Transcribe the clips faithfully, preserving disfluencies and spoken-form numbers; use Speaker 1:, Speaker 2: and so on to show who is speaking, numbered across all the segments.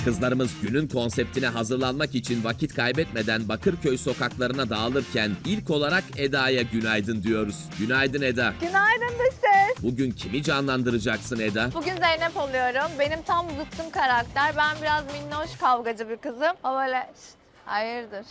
Speaker 1: Kızlarımız günün konseptine hazırlanmak için vakit kaybetmeden Bakırköy sokaklarına dağılırken ilk olarak Eda'ya günaydın diyoruz. Günaydın Eda.
Speaker 2: Günaydın dış ses.
Speaker 1: Bugün kimi canlandıracaksın Eda?
Speaker 2: Bugün Zeynep oluyorum. Benim tam zıttım karakter. Ben biraz minnoş kavgacı bir kızım. O böyle şşt, hayırdır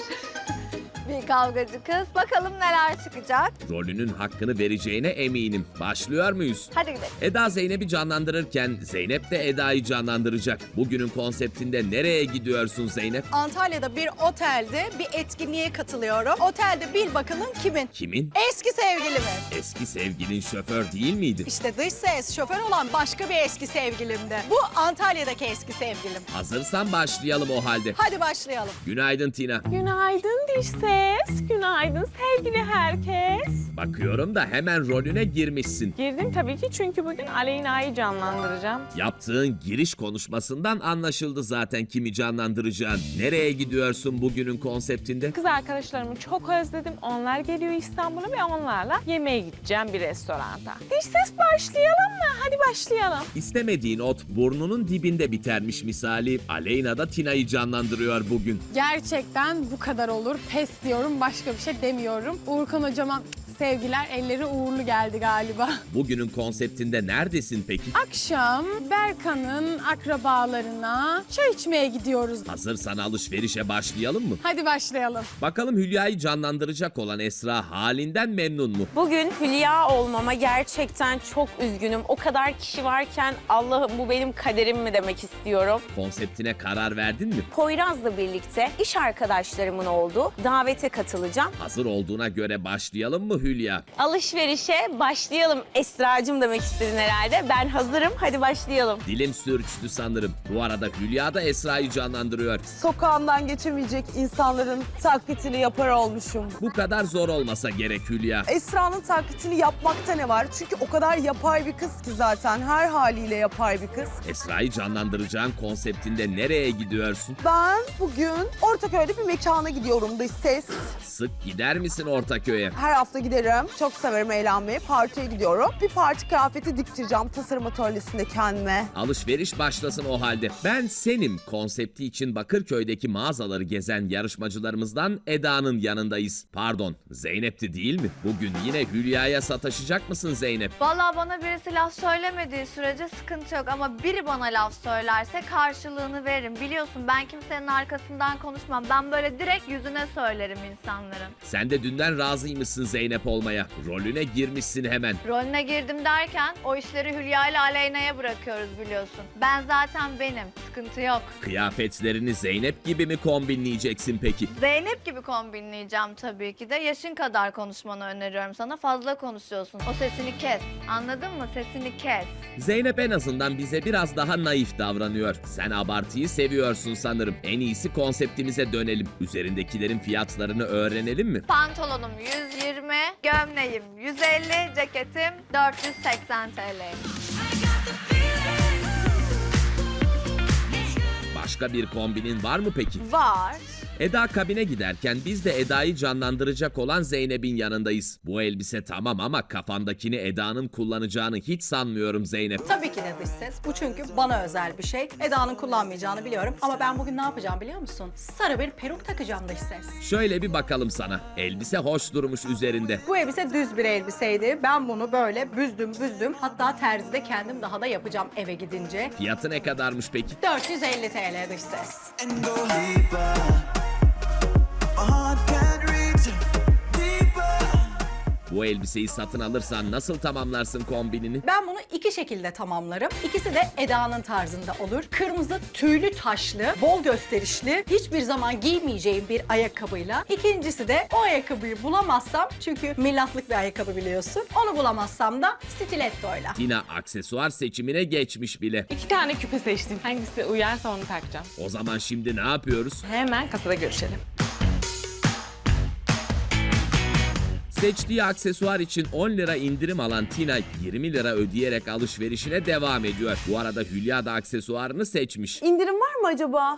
Speaker 2: bir kavgacı kız. Bakalım neler çıkacak.
Speaker 1: Rolünün hakkını vereceğine eminim. Başlıyor muyuz?
Speaker 2: Hadi gidelim.
Speaker 1: Eda Zeynep'i canlandırırken Zeynep de Eda'yı canlandıracak. Bugünün konseptinde nereye gidiyorsun Zeynep?
Speaker 3: Antalya'da bir otelde bir etkinliğe katılıyorum. Otelde bil bakalım kimin?
Speaker 1: Kimin?
Speaker 3: Eski sevgilimin.
Speaker 1: Eski sevgilin şoför değil miydi?
Speaker 3: İşte dış ses şoför olan başka bir eski sevgilimdi. Bu Antalya'daki eski sevgilim.
Speaker 1: Hazırsan başlayalım o halde.
Speaker 3: Hadi başlayalım.
Speaker 1: Günaydın Tina.
Speaker 4: Günaydın diş ses. Günaydın sevgili herkes.
Speaker 1: Bakıyorum da hemen rolüne girmişsin.
Speaker 4: Girdim tabii ki çünkü bugün Aleyna'yı canlandıracağım.
Speaker 1: Yaptığın giriş konuşmasından anlaşıldı zaten kimi canlandıracağın. Nereye gidiyorsun bugünün konseptinde?
Speaker 4: Kız arkadaşlarımı çok özledim. Onlar geliyor İstanbul'a ve onlarla yemeğe gideceğim bir restoranda. Diş ses başlayalım mı? Hadi başlayalım.
Speaker 1: İstemediğin ot burnunun dibinde bitermiş misali. Aleyna da Tina'yı canlandırıyor bugün.
Speaker 5: Gerçekten bu kadar olur. Pes diyorum, başka bir şey demiyorum. Uğurkan hocama sevgiler, elleri uğurlu geldi galiba.
Speaker 1: Bugünün konseptinde neredesin peki?
Speaker 5: Akşam Berkan'ın akrabalarına çay içmeye gidiyoruz.
Speaker 1: Hazırsan alışverişe başlayalım mı?
Speaker 5: Hadi başlayalım.
Speaker 1: Bakalım Hülya'yı canlandıracak olan Esra halinden memnun mu?
Speaker 6: Bugün Hülya olmama gerçekten çok üzgünüm. O kadar kişi varken Allah'ım bu benim kaderim mi demek istiyorum.
Speaker 1: Konseptine karar verdin mi?
Speaker 6: Poyraz'la birlikte iş arkadaşlarımın olduğu davete katılacağım.
Speaker 1: Hazır olduğuna göre başlayalım mı Hülya?
Speaker 6: Alışverişe başlayalım Esra'cığım demek istedin herhalde. Ben hazırım, hadi başlayalım.
Speaker 1: Dilim sürçtü sanırım. Bu arada Hülya da Esra'yı canlandırıyor.
Speaker 7: Sokağından geçemeyecek insanların taklitini yapar olmuşum.
Speaker 1: Bu kadar zor olmasa gerek Hülya.
Speaker 7: Esra'nın taklitini yapmakta ne var? Çünkü o kadar yapay bir kız ki zaten. Her haliyle yapay bir kız.
Speaker 1: Esra'yı canlandıracağın konseptinde nereye gidiyorsun?
Speaker 7: Ben bugün Ortaköy'de bir mekana gidiyorum dış ses.
Speaker 1: Sık gider misin Ortaköy'e?
Speaker 7: Her hafta giderim. Çok severim eğlenmeyi. Partiye gidiyorum. Bir parti kıyafeti diktireceğim tasarım atölyesinde kendime.
Speaker 1: Alışveriş başlasın o halde. Ben senim konsepti için Bakırköy'deki mağazaları gezen yarışmacılarımızdan Eda'nın yanındayız. Pardon, Zeynep'ti değil mi? Bugün yine Hülya'ya sataşacak mısın Zeynep?
Speaker 2: Vallahi bana birisi laf söylemediği sürece sıkıntı yok ama biri bana laf söylerse karşılığını veririm. Biliyorsun ben kimsenin arkasından konuşmam. Ben böyle direkt yüzüne söylerim insanların.
Speaker 1: Sen de dünden razıymışsın Zeynep olmaya. Rolüne girmişsin hemen.
Speaker 2: Rolüne girdim derken o işleri Hülya ile Aleyna'ya bırakıyoruz biliyorsun. Ben zaten benim. Sıkıntı yok.
Speaker 1: Kıyafetlerini Zeynep gibi mi kombinleyeceksin peki?
Speaker 2: Zeynep gibi kombinleyeceğim tabii ki de. Yaşın kadar konuşmanı öneriyorum sana. Fazla konuşuyorsun. O sesini kes. Anladın mı? Sesini kes.
Speaker 1: Zeynep en azından bize biraz daha naif davranıyor. Sen abartıyı seviyorsun sanırım. En iyisi konseptimize dönelim. Üzerindekilerin fiyatlarını öğrenelim mi?
Speaker 2: Pantolonum yüz yirmi, gömleğim yüz elli, ceketim dört yüz seksen T L.
Speaker 1: Başka bir kombinin var mı peki?
Speaker 2: Var.
Speaker 1: Eda kabine giderken biz de Eda'yı canlandıracak olan Zeynep'in yanındayız. Bu elbise tamam ama kafandakini Eda'nın kullanacağını hiç sanmıyorum Zeynep.
Speaker 3: Tabii ki de dış ses. Bu çünkü bana özel bir şey. Eda'nın kullanmayacağını biliyorum. Ama ben bugün ne yapacağım biliyor musun? Sarı bir peruk takacağım dış ses.
Speaker 1: Şöyle bir bakalım sana. Elbise hoş durmuş üzerinde.
Speaker 3: Bu elbise düz bir elbiseydi. Ben bunu böyle büzdüm büzdüm. Hatta terzide kendim daha da yapacağım eve gidince.
Speaker 1: Fiyatı ne kadarmış peki?
Speaker 3: dört yüz elli T L dış ses.
Speaker 8: And go deeper. My heart can't reach deeper.
Speaker 1: Bu elbiseyi satın alırsan nasıl tamamlarsın kombinini?
Speaker 3: Ben bunu iki şekilde tamamlarım. İkisi de Eda'nın tarzında olur. Kırmızı tüylü taşlı, bol gösterişli, hiçbir zaman giymeyeceğim bir ayakkabıyla. İkincisi de o ayakkabıyı bulamazsam, çünkü millatlık bir ayakkabı biliyorsun. Onu bulamazsam da stilettoyla.
Speaker 1: Tina aksesuar seçimine geçmiş bile.
Speaker 4: İki tane küpe seçtim. Hangisi uyarsa onu takacağım.
Speaker 1: O zaman şimdi ne yapıyoruz?
Speaker 4: Hemen kasada görüşelim.
Speaker 1: Seçtiği aksesuar için on lira indirim alan Tina yirmi lira ödeyerek alışverişine devam ediyor. Bu arada Hülya da aksesuarını seçmiş.
Speaker 7: İndirim var mı acaba?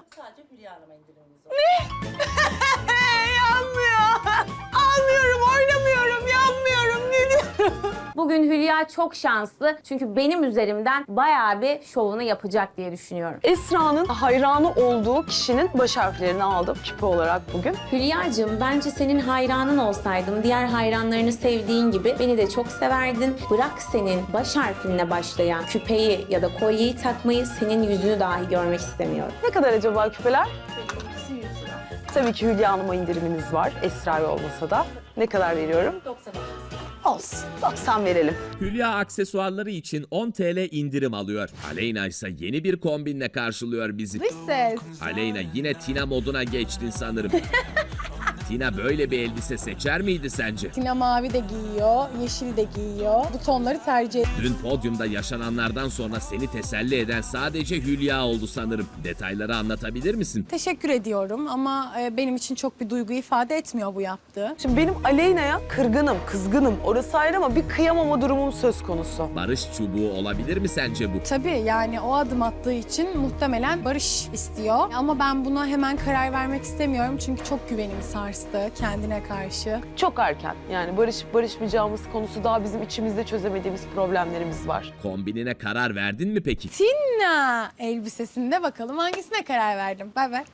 Speaker 3: Yanmıyor. Almıyorum, oynamıyorum, yanmıyorum. Ne diyorum?
Speaker 6: Bugün Hülya çok şanslı çünkü benim üzerimden bayağı bir şovunu yapacak diye düşünüyorum.
Speaker 9: Esra'nın hayranı olduğu kişinin baş harflerini aldım küpe olarak bugün.
Speaker 6: Hülya'cığım bence senin hayranın olsaydım diğer hayranlarını sevdiğin gibi beni de çok severdin. Bırak senin baş harfinle başlayan küpeyi ya da kolyeyi takmayı, senin yüzünü dahi görmek istemiyorum.
Speaker 9: Ne kadar acaba küpeler? Tabii ki Hülya Hanım'a indiriminiz var. Esra'ya olmasa da. Ne kadar veriyorum? Olsun. doksan verelim.
Speaker 1: Hülya aksesuarları için on TL indirim alıyor. Aleyna ise yeni bir kombinle karşılıyor bizi.
Speaker 5: Dış ses.
Speaker 1: Aleyna yine Tina moduna geçtin sanırım. Tina böyle bir elbise seçer miydi sence?
Speaker 5: Tina mavi de giyiyor, yeşil de giyiyor. Bu tonları tercih ediyor.
Speaker 1: Dün podyumda yaşananlardan sonra seni teselli eden sadece Hülya oldu sanırım. Detayları anlatabilir misin?
Speaker 5: Teşekkür ediyorum ama e, benim için çok bir duygu ifade etmiyor bu yaptığı.
Speaker 9: Şimdi benim Aleyna'ya kırgınım, kızgınım. Orası ayrı ama bir kıyamama durumum söz konusu.
Speaker 1: Barış çubuğu olabilir mi sence bu?
Speaker 5: Tabii yani o adım attığı için muhtemelen barış istiyor. Ama ben buna hemen karar vermek istemiyorum çünkü çok güvenimi sarstı kendine karşı.
Speaker 9: Çok erken. Yani barışıp barışmayacağımız konusu daha bizim içimizde çözemediğimiz problemlerimiz var.
Speaker 1: Kombinine karar verdin mi peki?
Speaker 5: Tina elbisesinde bakalım hangisine karar verdim. Bay bay.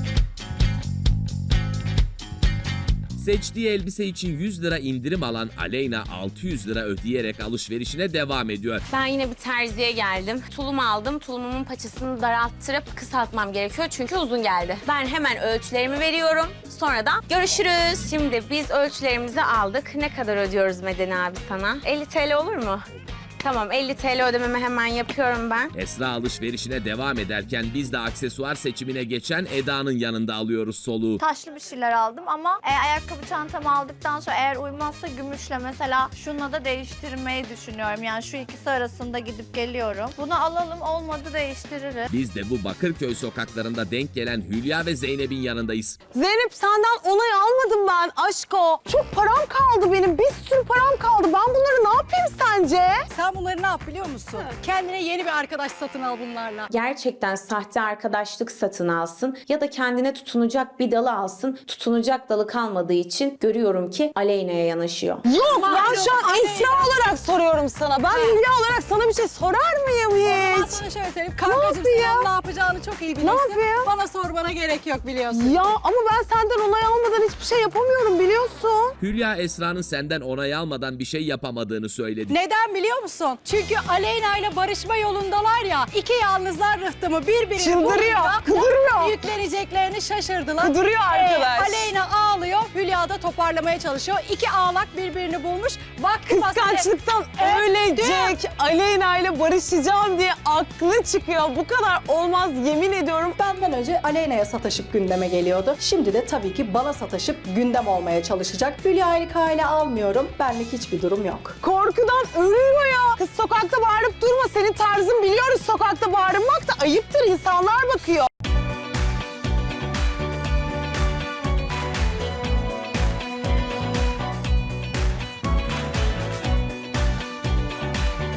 Speaker 1: Seçtiği elbise için yüz lira indirim alan Aleyna altı yüz lira ödeyerek alışverişine devam ediyor.
Speaker 6: Ben yine bir terziye geldim. Tulum aldım. Tulumumun paçasını daralttırıp kısaltmam gerekiyor çünkü uzun geldi. Ben hemen ölçülerimi veriyorum. Sonra da görüşürüz. Şimdi biz ölçülerimizi aldık. Ne kadar ödüyoruz Medeni abi sana? elli TL olur mu? Tamam, elli TL ödememi hemen yapıyorum ben.
Speaker 1: Esra alışverişine devam ederken biz de aksesuar seçimine geçen Eda'nın yanında alıyoruz soluğu.
Speaker 2: Taşlı bir şeyler aldım ama e, ayakkabı çantamı aldıktan sonra eğer uymazsa gümüşle mesela şununla da değiştirmeyi düşünüyorum. Yani şu ikisi arasında gidip geliyorum. Bunu alalım, olmadı değiştiririz.
Speaker 1: Biz de bu Bakırköy sokaklarında denk gelen Hülya ve Zeynep'in yanındayız.
Speaker 9: Zeynep senden onay almadım ben aşko. Çok param kaldı benim. Bir sürü param kaldı. Ben bunları ne yapayım sence?
Speaker 3: Sen bunları ne yap biliyor musun? Kendine yeni bir arkadaş satın al bunlarla.
Speaker 6: Gerçekten sahte arkadaşlık satın alsın ya da kendine tutunacak bir dalı alsın. Tutunacak dalı kalmadığı için görüyorum ki Aleyna'ya yanaşıyor.
Speaker 9: Yok ben
Speaker 3: Malum
Speaker 9: şu an
Speaker 3: Aleyna.
Speaker 9: Esra olarak soruyorum sana. Ben Hülya olarak sana bir şey sorar mıyım
Speaker 3: Ben
Speaker 9: hiç?
Speaker 3: sana şöyle söyleyeyim. Kankacığım sen ne yapacağını çok iyi bilirsin.
Speaker 9: yapayım?
Speaker 3: Bana sormana gerek yok biliyorsun.
Speaker 9: Ya ama ben senden onay almadan hiçbir şey yapamıyorum biliyorsun.
Speaker 1: Hülya Esra'nın senden onay almadan bir şey yapamadığını söyledi.
Speaker 3: Neden biliyor musun? Çünkü Aleyna ile barışma yolundalar ya. İki yalnızlar rıhtımı birbirini
Speaker 9: Çıldırıyor,
Speaker 3: bulunca
Speaker 9: kıvırıyor.
Speaker 3: nasıl yükleneceklerini şaşırdılar.
Speaker 9: Kıdırıyor arkadaş.
Speaker 3: Aleyna ağlıyor, Hülya da toparlamaya çalışıyor. İki ağlak birbirini bulmuş. Bak
Speaker 9: Kıskançlıktan ölecek. Aleyna ile barışacağım diye aklı çıkıyor. Bu kadar olmaz yemin ediyorum.
Speaker 3: Benden önce Aleyna'ya sataşıp gündeme geliyordu. Şimdi de tabii ki bana sataşıp gündem olmaya çalışacak. Hülya'yı kale almıyorum. Benlik hiçbir durum yok.
Speaker 9: Korkudan ölüyor ya. Kız sokakta bağırıp durma. Senin tarzın biliyoruz. Sokakta bağırmak da ayıptır. İnsanlar bakıyor.